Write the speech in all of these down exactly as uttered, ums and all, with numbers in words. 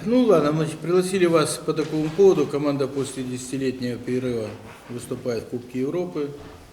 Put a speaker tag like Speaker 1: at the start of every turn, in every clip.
Speaker 1: Ну ладно, мы пригласили вас по такому поводу. Команда после десятилетнего перерыва выступает в Кубке Европы.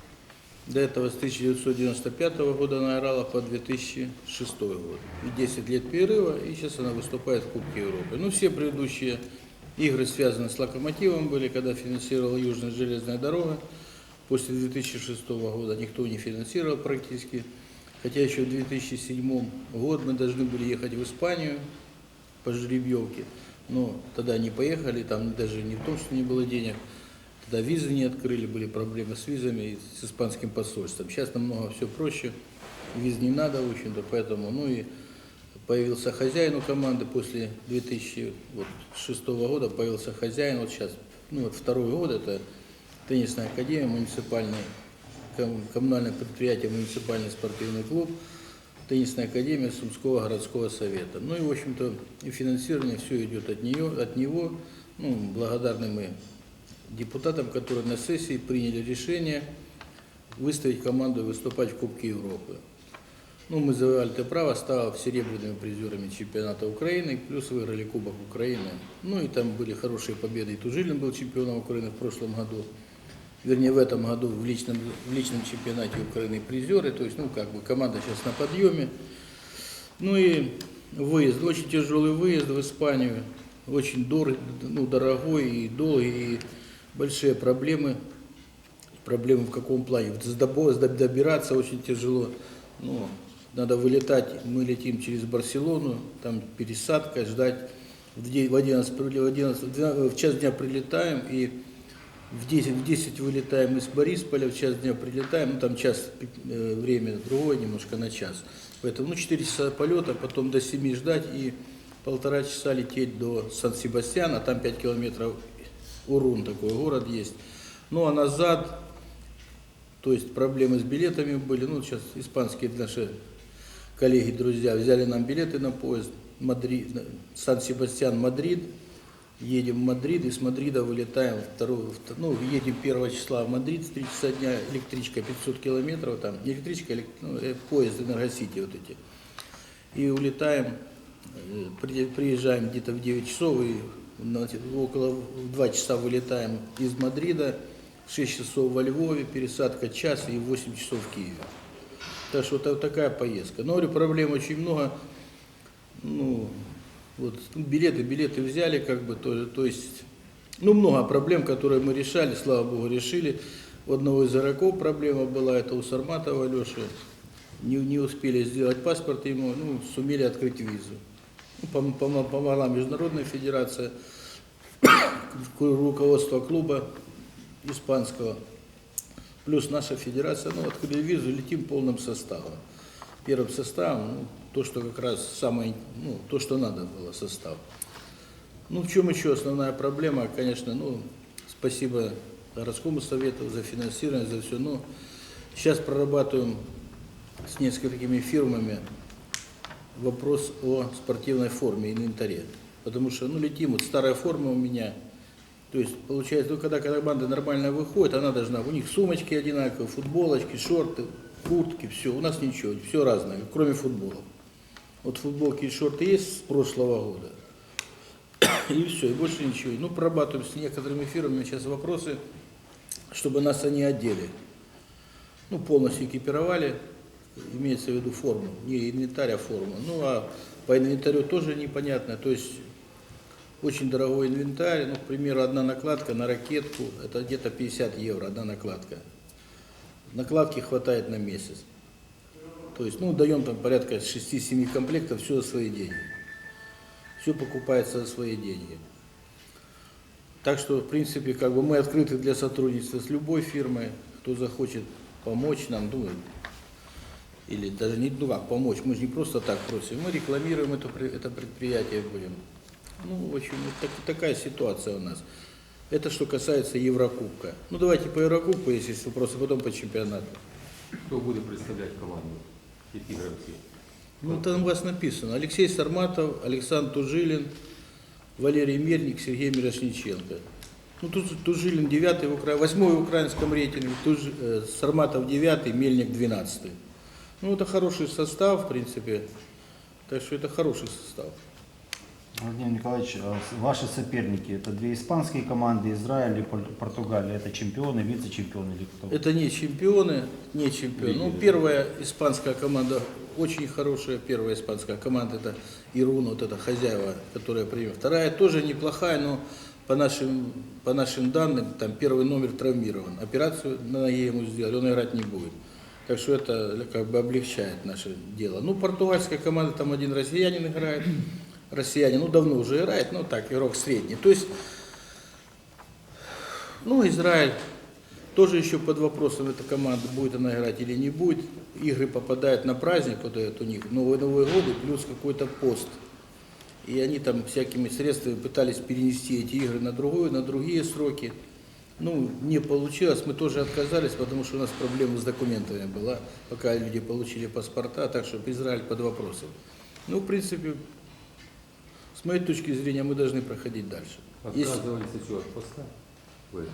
Speaker 1: До этого с тысяча девятьсот девяносто пятого года она играла по две тысячи шестой год. И десять лет перерыва, и сейчас она выступает в Кубке Европы. Ну, все предыдущие игры связаны с Локомотивом были, когда финансировала Южная железная дорога. После две тысячи шестого года никто не финансировал практически. Хотя еще в две тысячи седьмом году мы должны были ехать в Испанию по жеребьевке. Но тогда не поехали, там даже не в том, что не было денег. Тогда визы не открыли, были проблемы с визами и с испанским посольством. Сейчас намного все проще, виз не надо, в общем-то, поэтому, ну и появился хозяин у команды после две тысячи шестого года, появился хозяин, вот сейчас, ну вот второй год, это теннисная академия, муниципальный, коммунальное предприятие, муниципальный спортивный клуб, теннисная академия Сумского городского совета. Ну и, в общем-то, и финансирование все идет от нее, от него, ну, благодарны мы депутатам, которые на сессии приняли решение выставить команду и выступать в Кубке Европы. Ну, мы завоевали это право, став серебряными призерами чемпионата Украины, плюс выиграли Кубок Украины. Ну и там были хорошие победы. И Тужилин был чемпионом Украины в прошлом году, вернее в этом году в личном, в личном чемпионате Украины призеры. То есть, ну, как бы команда сейчас на подъеме. Ну и выезд, очень тяжелый выезд в Испанию, очень дорог, ну, дорогой и долгий, и большие проблемы. Проблемы в каком плане? Добираться очень тяжело. Ну, надо вылетать, мы летим через Барселону, там пересадка, ждать. В одиннадцать, в одиннадцать, в час дня прилетаем, и в десять, в десять вылетаем из Борисполя, в час дня прилетаем, ну там час, э, время другое немножко на час. Поэтому, ну, четыре часа полета, потом до семи ждать и полтора часа лететь до Сан-Себастьяна, там пять километров, Урун такой город есть. Ну а назад, то есть проблемы с билетами были, ну сейчас испанские наши коллеги, друзья взяли нам билеты на поезд, Мадрид, Сан-Себастьян, Мадрид, едем в Мадрид, и с Мадрида вылетаем, второго, ну едем первого числа в Мадрид, с три часа дня, электричка пятьсот километров, там не электричка, ну, поезд Энергосити вот эти, и улетаем, приезжаем где-то в девять часов, и около два часа вылетаем из Мадрида, шесть часов во Львове, пересадка час и восемь часов в Киеве. Так что вот такая поездка. Но, говорю, проблем очень много. Ну, вот, билеты, билеты взяли, как бы, то, то есть, ну, много проблем, которые мы решали, слава богу, решили. У одного из игроков проблема была, это у Сарматова Алеши. Не, не успели сделать паспорт ему, ну, сумели открыть визу. Ну, помогла Международная федерация, руководство клуба испанского, плюс наша федерация, ну, открыли визу, летим полным составом. Первым составом, ну, то, что как раз самое, ну, то, что надо было, состав. Ну, в чем еще основная проблема, конечно, ну, спасибо городскому совету за финансирование, за все, но сейчас прорабатываем с несколькими фирмами вопрос о спортивной форме, инвентаре. Потому что, ну, летим, вот старая форма у меня, то есть, получается, ну, когда, когда команда нормально выходит, она должна, у них сумочки одинаковые, футболочки, шорты, куртки, все, у нас ничего, все разное, кроме футбола. Вот футболки и шорты есть с прошлого года, и все, и больше ничего. Ну, прорабатываем с некоторыми фирмами сейчас вопросы, чтобы нас они одели. Ну, полностью экипировали, имеется в виду форму, не инвентарь, а форму. Ну, а по инвентарю тоже непонятно, то есть очень дорогой инвентарь, ну, к примеру, одна накладка на ракетку, это где-то пятьдесят евро, одна накладка. Накладки хватает на месяц. То есть, ну, даем там порядка шести-семи комплектов, все за свои деньги. Все покупается за свои деньги. Так что, в принципе, как бы мы открыты для сотрудничества с любой фирмой, кто захочет помочь нам, ну, или даже не, ну как, помочь, мы же не просто так просим, мы рекламируем это, это предприятие будем. Ну, в общем, вот так, такая ситуация у нас. Это что касается Еврокубка. Ну, давайте по Еврокубку, если есть вопросы, потом по чемпионату.
Speaker 2: Кто будет представлять команду? Какие игроки?
Speaker 1: Ну, там у вас написано. Алексей Сарматов, Александр Тужилин, Валерий Мельник, Сергей Мирошниченко. Ну, тут Тужилин девятый, в Укра... восьмой в украинском рейтинге, Туж... э, Сарматов девятый, Мельник двенадцатый. Ну, это хороший состав, в принципе. Так что это хороший состав.
Speaker 3: Владимир Николаевич, а с- ваши соперники это две испанские команды, Израиль и Пор- Португалия. Это чемпионы, вице-чемпионы или кто?
Speaker 1: Это не чемпионы, не чемпионы. Ну, первая испанская команда, очень хорошая первая испанская команда, это Ирун, вот это хозяева, которая приехала. Вторая тоже неплохая, но по нашим, по нашим данным, там первый номер травмирован. Операцию на ноге ему сделали, он играть не будет. Так что это как бы облегчает наше дело. Ну, португальская команда, там один россиянин играет, россиянин, ну, давно уже играет, ну, так, игрок средний. То есть, ну, Израиль тоже еще под вопросом, эта команда, будет она играть или не будет. Игры попадают на праздник, вот этот у них, Новый Новый год и плюс какой-то пост. И они там всякими средствами пытались перенести эти игры на другую, на другие сроки. Ну, не получилось, мы тоже отказались, потому что у нас проблема с документами была, пока люди получили паспорта, так что Израиль под вопросом. Ну, в принципе, с моей точки зрения, мы должны проходить дальше. Если-
Speaker 2: Отказывались от чего? От поста? Вы.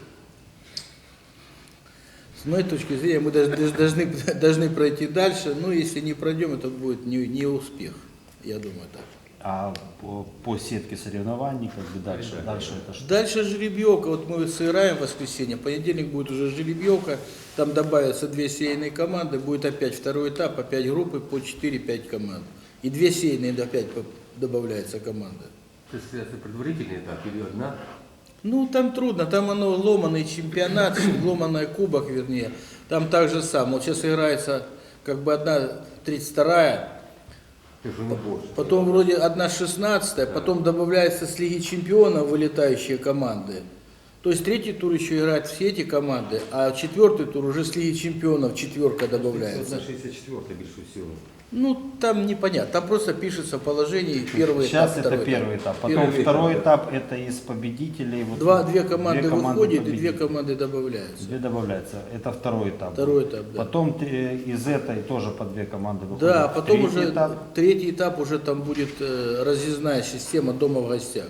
Speaker 1: С моей точки зрения, мы должны, должны, должны пройти дальше, но если не пройдем, это будет не, не успех, я думаю так.
Speaker 3: А по, по сетке соревнований, как бы дальше,
Speaker 2: Дальше.
Speaker 3: дальше это что?
Speaker 1: Дальше жеребьевка, вот мы сыграем в воскресенье, в понедельник будет уже жеребьевка, там добавятся две сейные команды, будет опять второй этап, опять группы по четыре-пять команд. И две сейные опять по- добавляется команда.
Speaker 2: То есть это предварительный этап или одна?
Speaker 1: Ну, там трудно, там оно ломаный чемпионат, ломаный кубок, вернее. Там так же самое. Вот сейчас играется как бы одна тридцать вторая,
Speaker 2: Это же не больше.
Speaker 1: потом вроде одна шестнадцатая, потом добавляется с Лиги Чемпионов вылетающие команды. То есть третий тур еще играют все эти команды, а четвертый тур уже с Лиги Чемпионов четверка добавляется.
Speaker 2: одна шестьдесят четыре більше всього.
Speaker 1: Ну, там непонятно, там просто пишется в положении первый
Speaker 3: Сейчас
Speaker 1: этап,
Speaker 3: это
Speaker 1: второй
Speaker 3: первый этап. Потом
Speaker 1: Первый
Speaker 3: второй
Speaker 2: этап,
Speaker 3: этап это из победителей. Вот
Speaker 1: Два, две команды
Speaker 3: две
Speaker 1: выходят и две
Speaker 3: победителей.
Speaker 1: команды добавляются.
Speaker 3: Две добавляются. Это второй этап.
Speaker 1: Второй этап, да.
Speaker 3: Потом э, из этой тоже по две команды выходят.
Speaker 1: Да, а потом
Speaker 3: Третий
Speaker 1: уже
Speaker 3: этап.
Speaker 1: третий этап уже там будет э, разъездная система дома в гостях.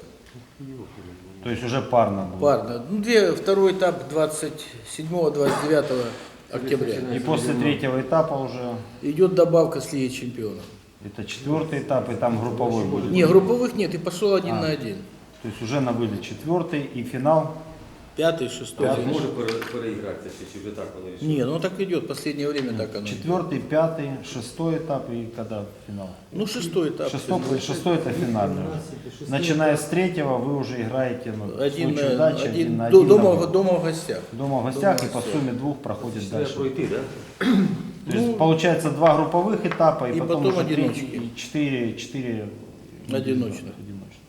Speaker 3: То есть уже парно будет.
Speaker 1: Парно. Ну, две, второй этап двадцать седьмого — двадцать девятого октября.
Speaker 3: И после третьего этапа уже
Speaker 1: Идет добавка с Лиги Чемпионов.
Speaker 3: это четвертый этап, и там групповой будет.
Speaker 1: Не, групповых нет, и пошел один
Speaker 3: А.
Speaker 1: на один.
Speaker 3: То есть уже на вылет четвертый и финал.
Speaker 1: Пятый, шестой.
Speaker 2: А
Speaker 1: финиш.
Speaker 2: може пере- переігратися ще, чи вже так воно рішили?
Speaker 1: Не, ну так идет, последнее время так оно. идет.
Speaker 3: Четвертый, пятый, шестой этап и когда финал?
Speaker 1: Ну, шестой этап.
Speaker 3: Шестой, шестой это финальный. Начиная с третьего вы уже играете ну, в
Speaker 1: Один,
Speaker 3: случае
Speaker 1: э,
Speaker 3: удачи,
Speaker 1: один,
Speaker 3: один на
Speaker 1: до-
Speaker 3: один.
Speaker 1: дома,
Speaker 3: на
Speaker 1: в-
Speaker 3: вылет.
Speaker 1: дома в гостях.
Speaker 3: Дома в гостях
Speaker 1: дома
Speaker 3: и по
Speaker 1: в
Speaker 3: сумме двух проходит
Speaker 2: Треба
Speaker 3: дальше.
Speaker 2: пройти, так?
Speaker 3: То есть
Speaker 1: Ну,
Speaker 3: получается два групповых этапа и,
Speaker 1: и
Speaker 3: потом,
Speaker 1: потом
Speaker 3: уже третий,
Speaker 1: одиночки.
Speaker 3: и четыре, четыре
Speaker 1: Одиночных.
Speaker 3: одиночных.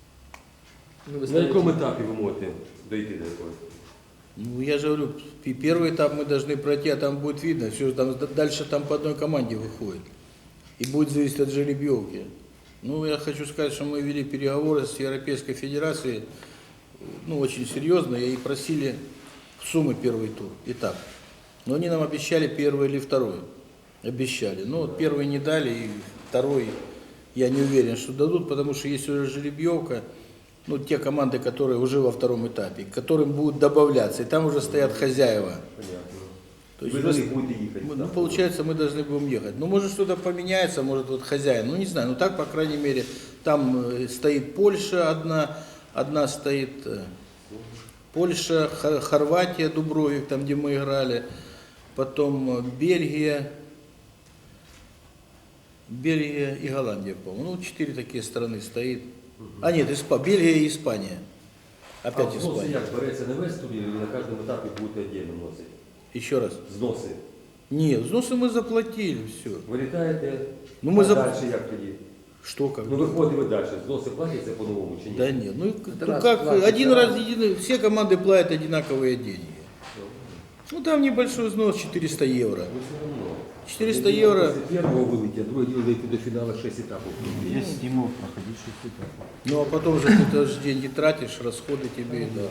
Speaker 4: Ну, вы
Speaker 2: На
Speaker 4: ставите-
Speaker 2: якому етапі ви можете дойти до якогось?
Speaker 1: Ну, я же говорю, и первый этап мы должны пройти, а там будет видно, все, там, д- дальше там по одной команде выходит. И будет зависеть от жеребьевки. Ну, я хочу сказать, что мы вели переговоры с Европейской Федерацией, ну, очень серьезно, и просили суммы первый тур, этап. Но они нам обещали первый или второй. Обещали. Ну, вот первый не дали, и второй, я не уверен, что дадут, потому что есть уже жеребьевка, ну, те команды, которые уже во втором этапе, к которым будут добавляться, и там уже стоят хозяева.
Speaker 2: Понятно.
Speaker 1: То есть
Speaker 2: Ви
Speaker 1: у
Speaker 2: за
Speaker 1: нас-
Speaker 2: них будете їхати?
Speaker 1: мы-
Speaker 2: так?
Speaker 1: ну, получается, мы должны будем ехать. Ну, может, что-то поменяется, может, вот хозяин, ну, не знаю, ну, так, по крайней мере, там э, стоит Польша одна, одна стоит э, Польша, Хор- Хорватия, Дубровик, там, где мы играли, потом э, Бельгия, Бельгия и Голландия, по-моему. Ну, четыре такие страны стоит. А нет, Испа- Бельгия и Испания. Опять
Speaker 2: А взноси
Speaker 1: Испания.
Speaker 2: як береться на весь турнір, і на кожному етапі будете віддільно вносити?
Speaker 1: Еще раз.
Speaker 2: Зноси.
Speaker 1: Нет, взносы мы заплатили, все.
Speaker 2: Ви літаєте,
Speaker 1: Ну, ми
Speaker 2: а
Speaker 1: за-
Speaker 2: далі як тоді?
Speaker 1: Что как?
Speaker 2: Ну виходимо далі, зноси платяться по-новому чи ні?
Speaker 1: Да нет, ну, ну
Speaker 4: раз
Speaker 1: как,
Speaker 4: платят,
Speaker 1: один
Speaker 4: да.
Speaker 1: раз, един- все команды платят одинаковые деньги. Ну там небольшой взнос четыреста евро.
Speaker 2: Ну все одно.
Speaker 1: четыреста
Speaker 2: Один
Speaker 1: евро.
Speaker 2: Після першого вилетять, а другий вилетить до фіналу шість етапів.
Speaker 3: Есть стимул проходить шесть этапов.
Speaker 1: Ну а потом же ты тоже деньги тратишь, расходы тебе, да.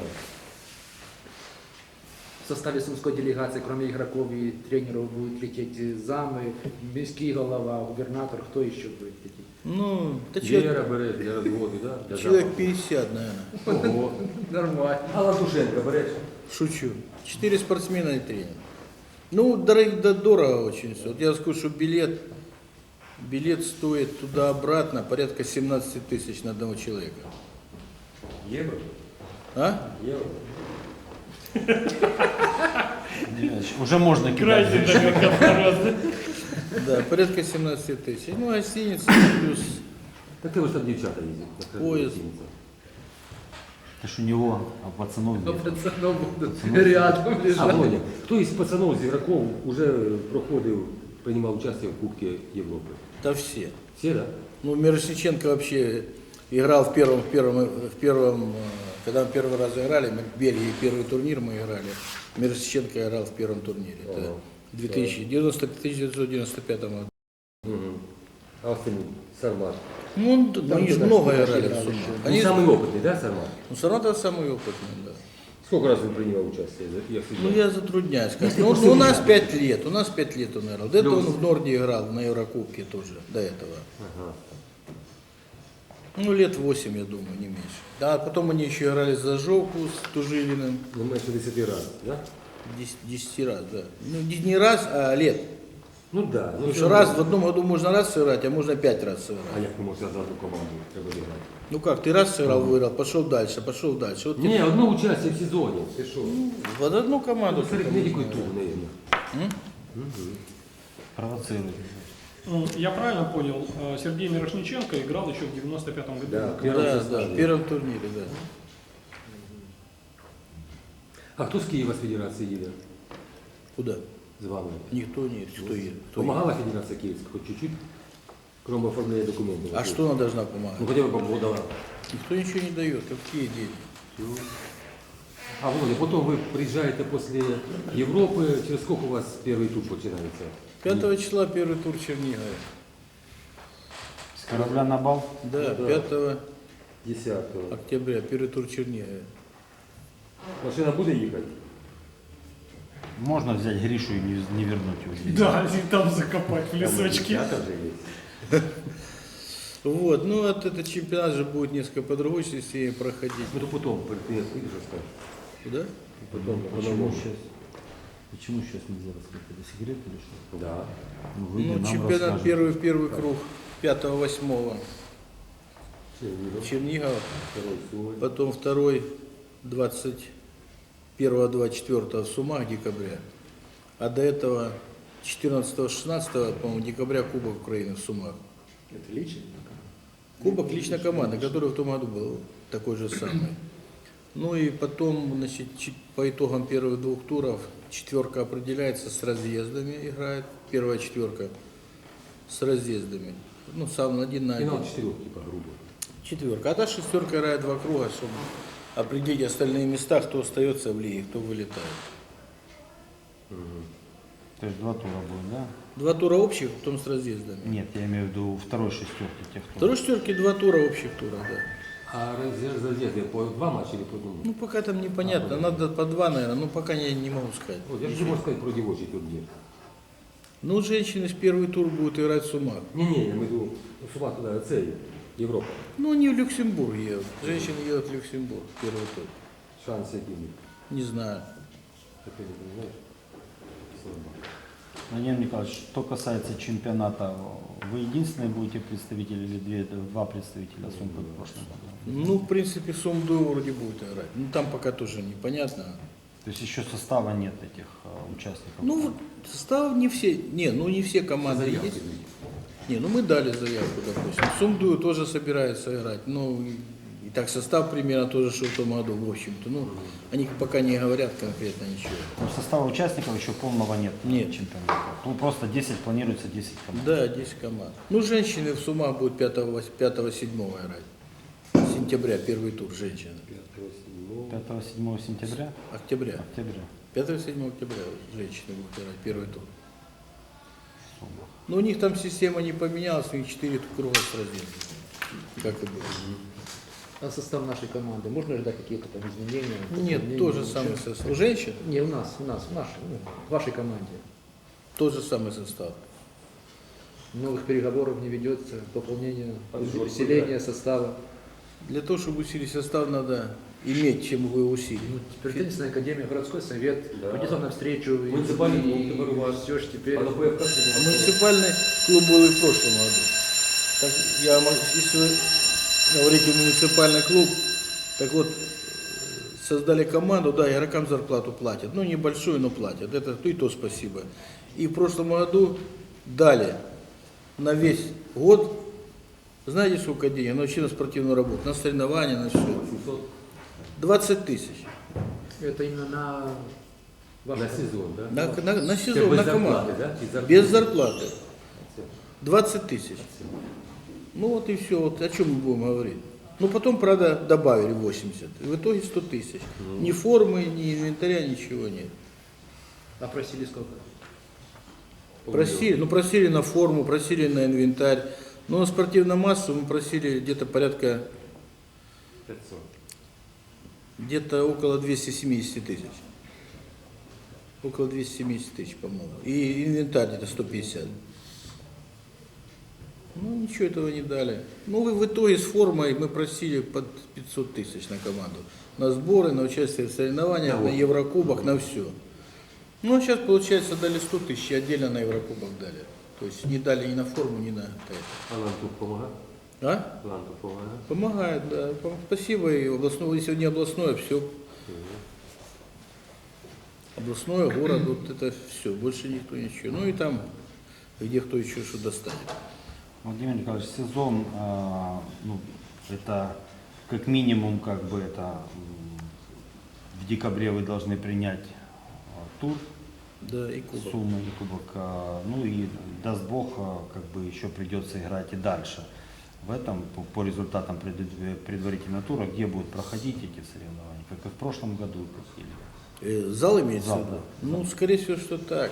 Speaker 4: В составе сумской делегации, кроме игроков и тренеров, будут лететь замы, мирский голова, губернатор, кто еще будет лететь?
Speaker 1: Ну, да человек,
Speaker 2: Віра бере для розводу, да? Для
Speaker 1: человек
Speaker 2: запаху.
Speaker 1: пятьдесят, наверное.
Speaker 2: Ого.
Speaker 4: Нормально.
Speaker 2: А Ладушенко береш?
Speaker 1: Шучу. Четыре спортсмена и тренер. Ну, дорого, да, дорого очень все. Вот я скажу, что билет, Билет стоит туда-обратно порядка семнадцать тысяч на одного человека.
Speaker 2: Евро?
Speaker 1: А?
Speaker 2: Евро.
Speaker 3: Уже можно
Speaker 5: Крайне
Speaker 3: кидать.
Speaker 5: далеко.
Speaker 1: Да, порядка семнадцать тысяч. Ну, гостиница плюс
Speaker 2: Так ты вот там девчата ездят.
Speaker 1: Поезд.
Speaker 3: Это ж у него, а пацанов
Speaker 4: Но
Speaker 3: нет.
Speaker 4: пацанов будут рядом
Speaker 2: А,
Speaker 4: лежать.
Speaker 2: Володя, хто із пацанов, з ігроків вже проходив, приймав участь в Кубці Європи?
Speaker 1: да все.
Speaker 2: Всі, да?
Speaker 1: Ну, Мирошниченко вообще играл в первом, в первом, в первом, э, когда мы первый раз играли, мы в Бельгии первый турнир мы играли. Мирошниченко играл в первом турнире. Это
Speaker 2: Ага.
Speaker 1: в две тысячи девятьсот девяносто пятом году.
Speaker 2: Угу. А ось цим Сармат.
Speaker 1: Ну, он- ну, они же много играли в Сумах.
Speaker 2: Він
Speaker 1: Они,
Speaker 2: самий опитний, да, Сармат?
Speaker 1: ну, Саратов самый опытный, да.
Speaker 2: Сколько раз він приймав участь? Як
Speaker 1: Ну, я затрудняюсь сказать.
Speaker 2: Если
Speaker 1: Ну,
Speaker 2: после
Speaker 1: у нас
Speaker 2: уже.
Speaker 1: пять лет, у нас пять лет он играл. До этого
Speaker 2: Плюс.
Speaker 1: он в Норде играл, на Еврокубке тоже, до этого.
Speaker 2: Ага.
Speaker 1: Ну, лет восемь, я думаю, не меньше. Да, а потом они еще играли за Жовку с Тужилиным.
Speaker 2: Не менше десяти разів, да?
Speaker 1: Дес- Десяти раз, да. Ну, не не раз, а лет.
Speaker 2: Ну да. Ну,
Speaker 1: Потому
Speaker 2: все
Speaker 1: что
Speaker 2: равно.
Speaker 1: раз в одном году можно раз сыграть, а можно пять раз
Speaker 2: А
Speaker 1: сыграть.
Speaker 2: як ти можеш за одну команду треба зіграти?
Speaker 1: Ну как, ты раз сыграл, выиграл, пошел дальше, пошел дальше. Вот
Speaker 2: Ні, одне участь в сезоні. Ти що?
Speaker 1: в одну команду.
Speaker 2: Ну, серед медиків тур, наверное.
Speaker 3: Провоцирует.
Speaker 5: Ну, я правильно понял, э, Сергей Мирошниченко играл еще в девяносто пятом году?
Speaker 2: Да.
Speaker 1: Да,
Speaker 2: Первом
Speaker 1: да,
Speaker 2: составе.
Speaker 1: в первом турнире, да.
Speaker 2: А хто з Києва з Федерації їде
Speaker 1: Куда?
Speaker 2: з вами?
Speaker 1: Никто не едет. Кто едет? Кто едет?
Speaker 2: Помогала Федерація Київська хоч чуть-чуть? Кроме оформления документов.
Speaker 1: А что она должна
Speaker 2: Ну
Speaker 1: помогать?
Speaker 2: хотя бы побудала.
Speaker 1: Никто ничего не дает. Какие деньги?
Speaker 2: А Володя, потом вы приезжаете после Европы, через сколько у вас первый тур починается?
Speaker 1: Пятого числа первый тур Чернигова.
Speaker 3: С корабля на бал.
Speaker 1: Да,
Speaker 2: Ну да.
Speaker 1: пятого
Speaker 2: десятого.
Speaker 1: октября первый тур Чернигова.
Speaker 2: Машина буде їхати?
Speaker 3: Можно взять Гришу и не, не вернуть его здесь.
Speaker 5: Да, и там закопать в лесочке.
Speaker 2: Там же есть.
Speaker 1: Вот, ну вот этот чемпионат же будет несколько по другой системе проходить.
Speaker 2: Ну то потом, ты выйдешь, расскажешь.
Speaker 1: Куда?
Speaker 2: Потом,
Speaker 3: Почему
Speaker 2: по-новому.
Speaker 3: сейчас? Почему сейчас нельзя раскрыть? Это секрет или что?
Speaker 2: Да.
Speaker 3: Ну, вы
Speaker 1: Ну,
Speaker 3: нам
Speaker 1: чемпионат
Speaker 3: расскажете.
Speaker 1: первый, первый круг пятого-восьмого
Speaker 2: Чернигов.
Speaker 1: Чернигова,
Speaker 2: Второй Сумы.
Speaker 1: потом второй двадцать первого-двадцать четвёртого в Сумах декабря, а до этого четырнадцатого-шестнадцатого, по-моему, декабря Кубок Украины в Сумах.
Speaker 4: Это лично?
Speaker 1: Кубок лично команды, который в том году был такой же самый. Ну и потом, значит, чи- по итогам первых двух туров четверка определяется с разъездами, играет первая четверка с разъездами. Ну, сам один на один.
Speaker 2: Финал четырех, типа, грубо.
Speaker 1: Четверка. А та шестерка играет два круга, чтобы определить остальные места, кто остается в лиге, кто вылетает.
Speaker 3: То есть два тура будет, да?
Speaker 1: Два тура общих, потом с разъездами.
Speaker 3: Нет, я имею в виду второй шестерки, тех, кто...
Speaker 1: Второй шестерки два тура общих тура, да.
Speaker 2: А разъезд- разъезды по два матча или по одному?
Speaker 1: Ну, пока там непонятно. Надо по два, наверное. Ну, пока я не могу сказать.
Speaker 2: Вот, я же могу сказать про девочий турнир.
Speaker 1: Ну, женщины в первый тур будут играть в Сумах.
Speaker 2: Не-не, я имею в виду, ну, Сума туда, це Европа.
Speaker 1: Ну, они в Люксембург едут. Женщины едут в Люксембург в первый тур.
Speaker 2: Шансы какие?
Speaker 1: Не знаю.
Speaker 2: Так ты не знаешь? Слабо.
Speaker 3: Владимир Николаевич, что касается чемпионата, вы единственные будете представители или две, два представителя Сум, как в прошлом году?
Speaker 1: Ну, в принципе, Сумду вроде будет играть. Ну, там пока тоже непонятно.
Speaker 3: То есть еще состава нет этих э, участников?
Speaker 1: Ну, вот состав не все. Не, ну не все команды
Speaker 2: Заявки
Speaker 1: есть.
Speaker 2: дают.
Speaker 1: Не, ну мы дали заявку, допустим. Сумдую тоже собирается играть. Ну, и так состав примерно тоже, что в том году, в общем-то. Ну, они пока не говорят конкретно ничего.
Speaker 3: Но состава участников еще полного нет.
Speaker 1: Нет.
Speaker 3: Чемпионата. Ну, просто десять, планируется десять команд.
Speaker 1: Да, десять команд. Ну, женщины в Сумах будут пятого-седьмого играть. Сентября, первый тур женщины.
Speaker 2: Пятого, седьмого.
Speaker 3: пятого-седьмого сентября?
Speaker 1: Октября.
Speaker 3: Октября.
Speaker 1: пятого-седьмого октября женщины будут играть первый тур. Но у них там система не поменялась, у них четыре круга с разъездом. Как и было.
Speaker 4: А состав нашей команды, можно ждать какие-то там изменения?
Speaker 1: Нет,
Speaker 4: Дополнения,
Speaker 1: тот же
Speaker 4: улучшения?
Speaker 1: самый состав. У женщин
Speaker 4: Не, у нас, у нас, в нашей, ну, в вашей команде.
Speaker 1: тот же самый состав.
Speaker 4: Новых переговоров не ведется, пополнение,
Speaker 2: А ты
Speaker 4: усиление состава.
Speaker 1: Для того, чтобы усилить состав, надо иметь, чем его усилить.
Speaker 4: Ну, теперь теннисная академия, городской совет,
Speaker 2: Да.
Speaker 4: пойдет он навстречу. и-
Speaker 2: Муниципальный клуб
Speaker 4: и-
Speaker 2: теперь у вас.
Speaker 4: Все ж теперь.
Speaker 2: А на ПФК
Speaker 1: А
Speaker 2: что
Speaker 1: муниципальный клуб был и в прошлом году. Так, я, могу- если вы говорите муниципальный клуб, так вот, создали команду, да, игрокам зарплату платят. Ну, небольшую, но платят. Это и то спасибо. И в прошлом году дали на весь год, знаете, сколько денег? На учебно-спортивную работу, на соревнования, на все.
Speaker 2: семьсот
Speaker 1: двадцать тысяч.
Speaker 4: Это именно на ваш
Speaker 2: на сезон, да?
Speaker 1: На, на, на
Speaker 2: Это
Speaker 1: сезон,
Speaker 2: без
Speaker 1: на
Speaker 2: зарплаты,
Speaker 1: команду.
Speaker 2: да? Без зарплаты.
Speaker 1: Без зарплаты. двадцать тысяч. Ну вот и все. Вот о чем мы будем говорить. Ну потом, правда, добавили восемьдесят. И в итоге сто тысяч. Ни формы, ни инвентаря, ничего нет.
Speaker 4: А просили сколько?
Speaker 1: Просили, ну просили на форму, просили на инвентарь. Но на спортивную массу мы просили где-то порядка,
Speaker 2: пятьсот.
Speaker 1: где-то около двухсот семидесяти тысяч. Около двухсот семидесяти тысяч, по-моему. И инвентарь где-то сто пятьдесят. Ну, ничего этого не дали. Ну, и в итоге с формой мы просили под пятьсот тысяч на команду. На сборы, на участие в соревнованиях,
Speaker 2: Да,
Speaker 1: на
Speaker 2: вот.
Speaker 1: Еврокубок, на все. Ну, а сейчас, получается, дали сто тысяч, и отдельно на Еврокубок дали. То есть не дали ни на форму, ни на это.
Speaker 2: А нам тут помогает?
Speaker 1: А?
Speaker 2: Нам тут помогает?
Speaker 1: Помогает, да. Пом- Спасибо. И областное, если не областное, все. Областное, город, вот это все. Больше никто ничего. Ну и там, где кто еще что достанет.
Speaker 3: Владимир Николаевич, сезон, а, ну, это как минимум, как бы это м, в декабре вы должны принять а, тур
Speaker 1: Да, и кубок.
Speaker 3: суммы и кубок. а, Ну и даст Бог, а, как бы еще придется играть и дальше. В этом по, по результатам пред- предварительного тура, где будут проходить эти соревнования, как и в прошлом году, как или
Speaker 1: Э, Зал имеется
Speaker 3: Зал,
Speaker 1: в виду?
Speaker 3: да.
Speaker 1: Ну, скорее всего, что так.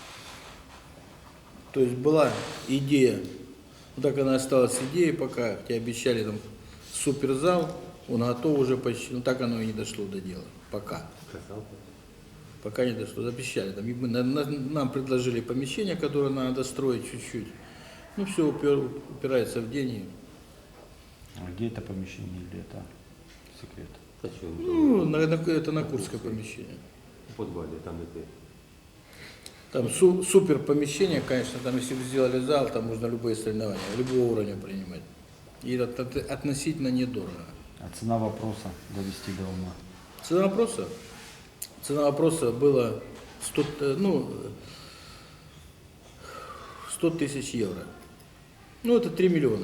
Speaker 1: То есть была идея, ну так она осталась идеей пока, тебе обещали там суперзал, он готов уже почти, ну так оно и не дошло до дела, пока.
Speaker 2: Красавцы.
Speaker 1: Пока не дошло, обещали. Там, и мы- на- на- нам предложили помещение, которое надо достроить чуть-чуть. Ну все упирается в деньги.
Speaker 3: а где это помещение или это секрет?
Speaker 2: Зачем?
Speaker 1: Ну, на- на- это на Курское помещение.
Speaker 2: В подвале, там это.
Speaker 1: Там су- супер помещение, конечно, там если бы сделали зал, там можно любые соревнования, любого уровня принимать. И это от- относительно недорого.
Speaker 3: А цена вопроса довести до ума?
Speaker 1: Цена вопроса? Цена вопроса была сто, э, ну, сто тысяч евро. Ну, это три миллиона.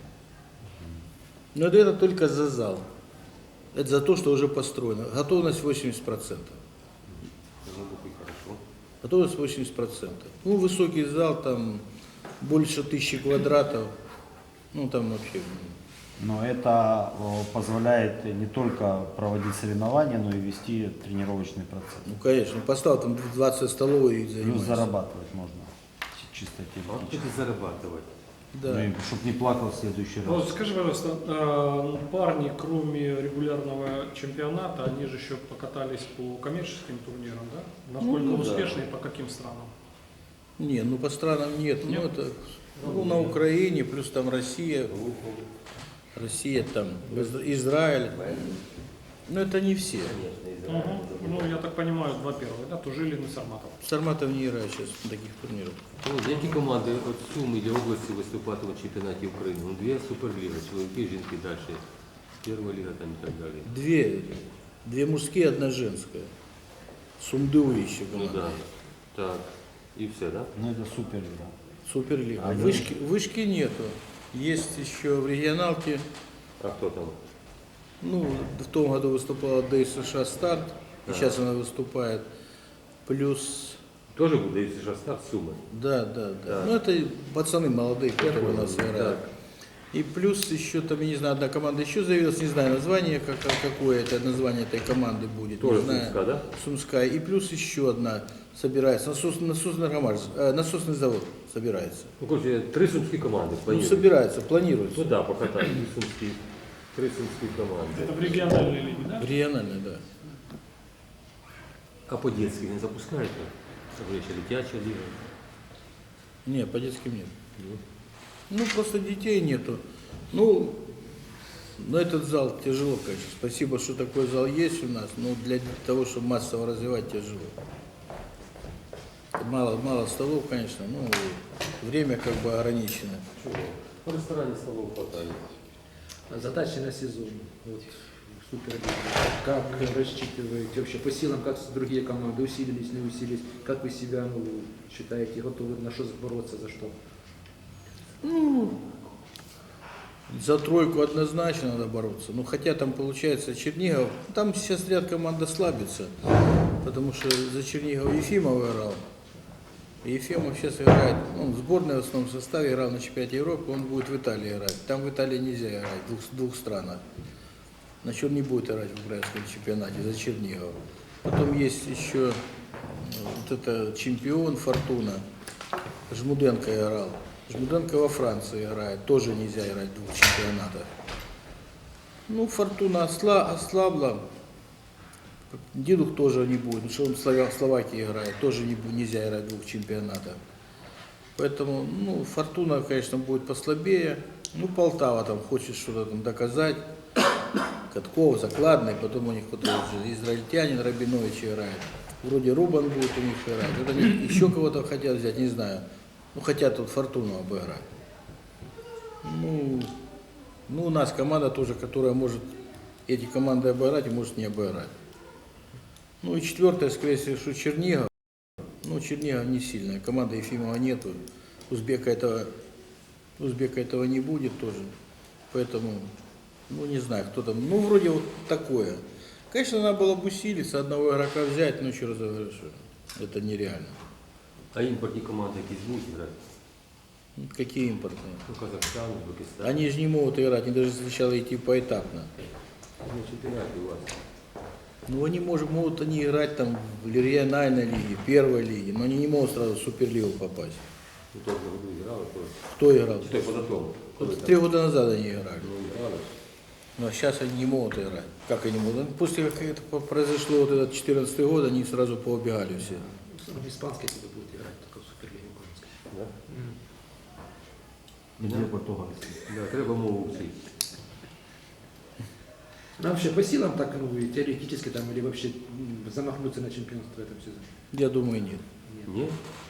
Speaker 1: Но это только за зал. Это за то, что уже построено. Готовность восемьдесят процентов.
Speaker 2: Ну, и хорошо.
Speaker 1: Готовность восемьдесят процентов. Ну, высокий зал, там больше тысячи квадратов. Ну, там вообще.
Speaker 3: Но это о, позволяет не только проводить соревнования, но и вести тренировочный процесс.
Speaker 1: Ну, конечно, поставил там двадцать столов и
Speaker 3: Плюс
Speaker 1: занимайся.
Speaker 3: зарабатывать можно, чи- чисто
Speaker 2: А
Speaker 3: теоретически.
Speaker 2: это зарабатывать.
Speaker 1: Да.
Speaker 3: Чтобы не плакал в следующий
Speaker 5: Ну,
Speaker 3: раз.
Speaker 5: скажи, пожалуйста, э, парни, кроме регулярного чемпионата, они же еще покатались по коммерческим турнирам, да? Насколько
Speaker 1: Ну,
Speaker 2: да.
Speaker 5: успешны и по каким странам?
Speaker 1: Не, ну по странам нет.
Speaker 5: Нет?
Speaker 1: Ну, это ну, на Украине, плюс там Россия. Россия, там Из- Израиль. Но это не все.
Speaker 5: Мгм. Ну, я так понимаю, два первых, да? Тужилин и Сарматов.
Speaker 1: Сарматов не играет сейчас на таких турнирах.
Speaker 2: Ну, які команди от Суми і області виступатимуть в чемпіонаті України? Ну, дві суперліги, чоловіки, жінки далі. Перша ліга там і так далі.
Speaker 1: Две. Две мужские, одна женская. Сумдуи еще
Speaker 2: Ну
Speaker 1: команда.
Speaker 2: да. Так. І все, да?
Speaker 3: Ну это супер, да.
Speaker 1: Суперлига.
Speaker 3: А
Speaker 1: Вышки, вышки нету. Есть еще в регионалке.
Speaker 2: А хто там?
Speaker 1: Ну, в том году выступала ДСШ «Старт». И
Speaker 2: Да.
Speaker 1: сейчас она выступает. Плюс...
Speaker 2: Теж буде, якщо ж старт Суми.
Speaker 1: Да, да, да.
Speaker 2: Да.
Speaker 1: Ну, это пацаны молодые, которые у нас
Speaker 2: понял,
Speaker 1: играют. И плюс еще там, я не знаю, одна команда еще заявилась, не знаю название, как, какое это название этой команды будет.
Speaker 2: Тоже
Speaker 1: не знаю.
Speaker 2: Сумская, да?
Speaker 1: Сумская. И плюс еще одна собирается. Насос, насосный, ромаш, э, насосный завод собирается.
Speaker 2: Ну, коротше, три сумські команди
Speaker 1: Ну,
Speaker 2: планують.
Speaker 1: собирается, планируется.
Speaker 2: Ну да, покатають. Три сумські, три сумські команди.
Speaker 5: Это в региональной лиге, да?
Speaker 1: Регионально, да.
Speaker 2: А по детськи не запускаєте? Вже ще дитяча ліга.
Speaker 1: Не, по детским нет. Ну, просто детей нету. Ну, Но этот зал тяжело, конечно. Спасибо, что такой зал есть у нас, но для того, чтобы массово развивать, тяжело. Мало, мало столов, конечно, но время как бы ограничено.
Speaker 2: В ресторане столов хватает.
Speaker 4: Задачи на сезон. Вот, Суперлига. Как рассчитываете вообще по силам, как другие команды усилились, не усилились? Как вы себя ну, считаете, готовы на что бороться, за что?
Speaker 1: Ну, за тройку однозначно надо бороться. Ну, хотя там получается Чернигов, там сейчас ряд команд ослабится, потому что за Чернигов Ефимов играл. И Ефимов сейчас играет, он в сборной в основном составе играл на чемпионате Европы, он будет в Италии играть. Там в Италии нельзя играть, в двух, двух странах. Значит, он не будет играть в украинском чемпионате за Чернигов. Потом есть еще вот это чемпион Фортуна, Жмуденко играл. Жмуденко во Франции играет, тоже нельзя играть в двух чемпионатах. Ну, Фортуна осла, ослабла, Дедух тоже не будет, потому что он в Слова- Словакии играет, тоже не, бу- нельзя играть в двух чемпионатах. Поэтому, ну, Фортуна, конечно, будет послабее. Ну, Полтава там хочет что-то там доказать. Катков, Закладный, потом у них кто-то уже израильтянин Рабинович играет. Вроде Рубан будет у них играть. Вот они еще кого-то хотят взять, не знаю. Ну, хотят тут Фортуну обыграть. Ну, ну, у нас команда тоже, которая может эти команды обыграть и может не обыграть. Ну и четвертое, скорее всего, что Чернигов. Ну, Чернигов не сильная. Команда Ефимова нету. Узбека этого, Узбека этого не будет тоже. Поэтому, ну, не знаю, кто там. Ну, вроде вот такое. Конечно, надо было бы усилиться, одного игрока взять, но еще раз говорю, что это нереально.
Speaker 2: А імпортні команди якісь будуть грати?
Speaker 1: Ну, какие импортные?
Speaker 2: Ну, Казахстан, Узбекистан.
Speaker 1: Они же не могут играть, они должны сначала идти поэтапно.
Speaker 2: Ну, чемпіонати у вас.
Speaker 1: Ну, они может, могут они играть там в региональной лиге, первой лиге, но они не могут сразу в Суперлигу попасть.
Speaker 2: У того году грали, то...
Speaker 1: Кто играл?
Speaker 2: Чи той позатому?
Speaker 1: Вот три года назад они играли.
Speaker 2: Ну, грали.
Speaker 1: Но сейчас они не могут играть. Как они могут? После как это произошло вот этот четырнадцатый год, они сразу поубегали все.
Speaker 4: В испанской тебе будет играть, только в Суперлиге украинской.
Speaker 2: Да?
Speaker 3: Где португальский?
Speaker 2: Да, треба мову вчити.
Speaker 4: Ну, вообще по силам так, ну, и теоретически там, или вообще м, замахнуться на чемпионство в этом сезоне?
Speaker 1: Я думаю, нет.
Speaker 2: Ні?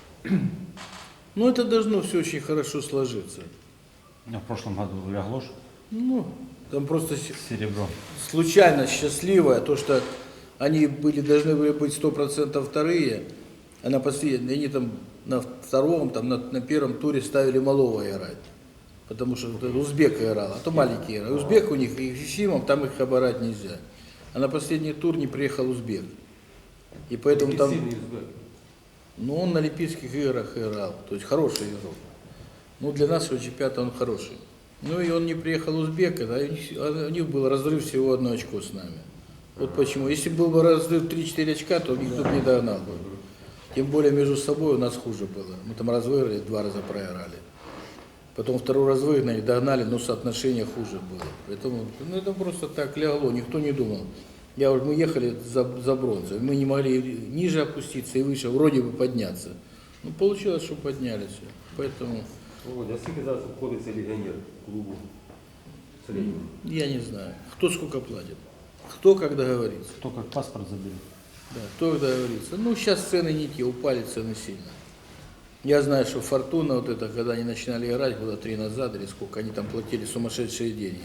Speaker 1: Ну, это должно все очень хорошо сложиться.
Speaker 3: Ну, в прошлом году лягло ж
Speaker 1: Ну, там просто с-
Speaker 3: серебро.
Speaker 1: случайно счастливое, то, что они были, должны были быть сто процентов вторые, а на последнем, они там на втором, там на, на первом туре ставили малого играть. Потому что вот этот узбек играл, а то маленький играл. Узбек у них и Ефимов, там их оборать нельзя. А на последний тур не приехал узбек. И поэтому
Speaker 2: Який
Speaker 1: там,
Speaker 2: сильний Узбек.
Speaker 1: ну, он на Олимпийских играх играл, то есть хороший игрок. Ну, для нашего чемпионата он хороший. Ну, и он не приехал узбек, а у них, а у них был разрыв всего одно очко с нами. Вот почему. Если был бы разрыв три-четыре очка, то никто бы не догнал бы. Тем более между собой у нас хуже было. Мы там раз выиграли, два раза проиграли. Потом второй раз выгнали, догнали, но соотношение хуже было. Поэтому, ну, это просто так лягло, никто не думал. Я, вот, мы ехали за, за бронзой, мы не могли ниже опуститься и выше, вроде бы подняться. Ну, получилось, что поднялись. Поэтому,
Speaker 2: Володя, а скільки зараз обходиться легіонер клубу в середньому?
Speaker 1: я не знаю, кто сколько платит, кто как договорится.
Speaker 3: Кто как паспорт заберет.
Speaker 1: Да, кто как договорится. Ну, сейчас цены не те, упали цены сильно. Я знаю, что Фортуна, вот это, когда они начинали играть, года три назад, или сколько, они там платили сумасшедшие деньги.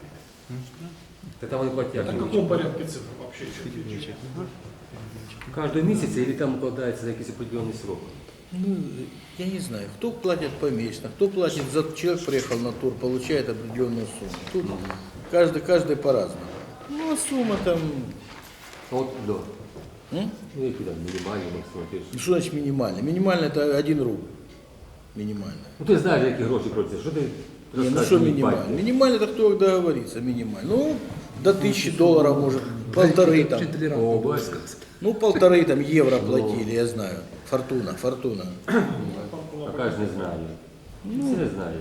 Speaker 2: Та там вони платять.
Speaker 5: Это в каком порядке цифр вообще? Чуть-чуть.
Speaker 2: Кожного місяця, або там укладається на якийсь определений срок?
Speaker 1: Ну, я не знаю, кто платит помесячно, кто платит за человек приехал на тур, получает определенную сумму. Тут каждый, каждый по-разному. Ну, а сумма там,
Speaker 2: Ну, от, да.
Speaker 1: м?
Speaker 2: Ну, які там мінімальні, максимум. ти ж-
Speaker 1: Ну, что значит минимально? Минимально это один рубль. Минимально.
Speaker 2: Ну, ти знаєш, які гроші просять. Що ти
Speaker 1: Не, ну
Speaker 2: розкажеш
Speaker 1: что
Speaker 2: мені,
Speaker 1: минимально?
Speaker 2: батько?
Speaker 1: Минимально это кто договорится, минимально. Ну, до тысячи долларов может, полторы там.
Speaker 2: О, бачиш.
Speaker 1: Ну, полторы там евро платили, я знаю. Фортуна, Фортуна.
Speaker 2: А кажеш, не знаю. Ну, не знаю.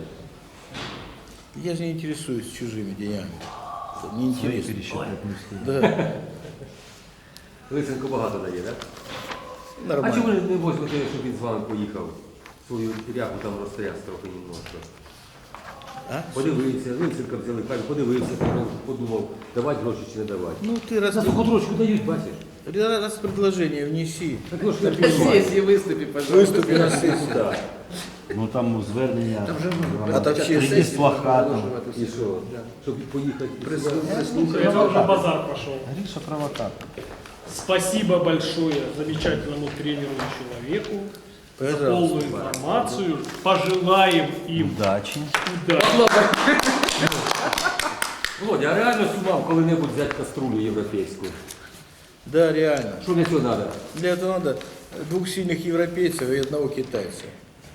Speaker 1: Я же не интересуюсь чужими деньгами. Это не
Speaker 3: Свои
Speaker 1: интересно.
Speaker 3: пересчитать не успеет.
Speaker 1: Да,
Speaker 2: Лисенко багато дає, так? А
Speaker 1: нормально.
Speaker 2: чому не возьмете, щоб він з вами поїхав? Свою ряху там розтряс трохи немножко.
Speaker 1: А?
Speaker 2: Подивився, Лисенка взяли, каже, подивився, подумав, давати гроші чи не давати.
Speaker 1: Ну ты раз,
Speaker 2: За суходрочку дають, бачиш?
Speaker 1: раз предложение внеси.
Speaker 2: Так ну, ж не
Speaker 4: На
Speaker 2: понимаю.
Speaker 4: сессии выступи, пожалуйста.
Speaker 1: Выступи на сессии.
Speaker 2: Да.
Speaker 3: Ну там звернення.
Speaker 4: Там же
Speaker 3: громадян.
Speaker 1: А так ще
Speaker 3: Прийти
Speaker 1: сесії
Speaker 3: з плакатом.
Speaker 2: І що? Щоб поїхати.
Speaker 5: Это уже базар пошел.
Speaker 3: Гриша провокатор.
Speaker 5: Спасибо большое замечательному тренеру и человеку за
Speaker 1: Пожалуйста.
Speaker 5: полную информацию. Пожелаем им
Speaker 3: Удачі.
Speaker 5: удачи.
Speaker 2: Володя, а реально сумав коли-небудь взяти каструлю європейську?
Speaker 1: Да, реально.
Speaker 2: Що для цього треба?
Speaker 1: Для этого надо двух сильных европейцев и одного китайца.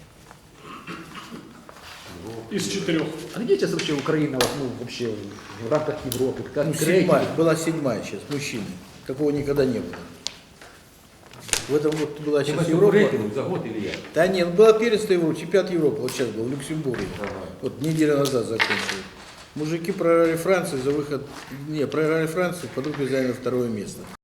Speaker 5: Из четырех.
Speaker 4: А где сейчас вообще Украина, вот, ну, вообще в рамках Европы?
Speaker 1: Ну,
Speaker 4: Как
Speaker 1: седьмая, была седьмая сейчас, мужчины. Такого никогда не было. В этом вот была
Speaker 2: Ти
Speaker 1: сейчас
Speaker 2: маєш
Speaker 1: Европа.
Speaker 2: рейтинг за год или як?
Speaker 1: Да нет, была первенство Европы, чемпионат Европы, вот сейчас был, в Люксембурге.
Speaker 2: Ага.
Speaker 1: Вот неделю назад закончили. Мужики проиграли Францию за выход, не, проиграли Францию, под руку заняли второе место.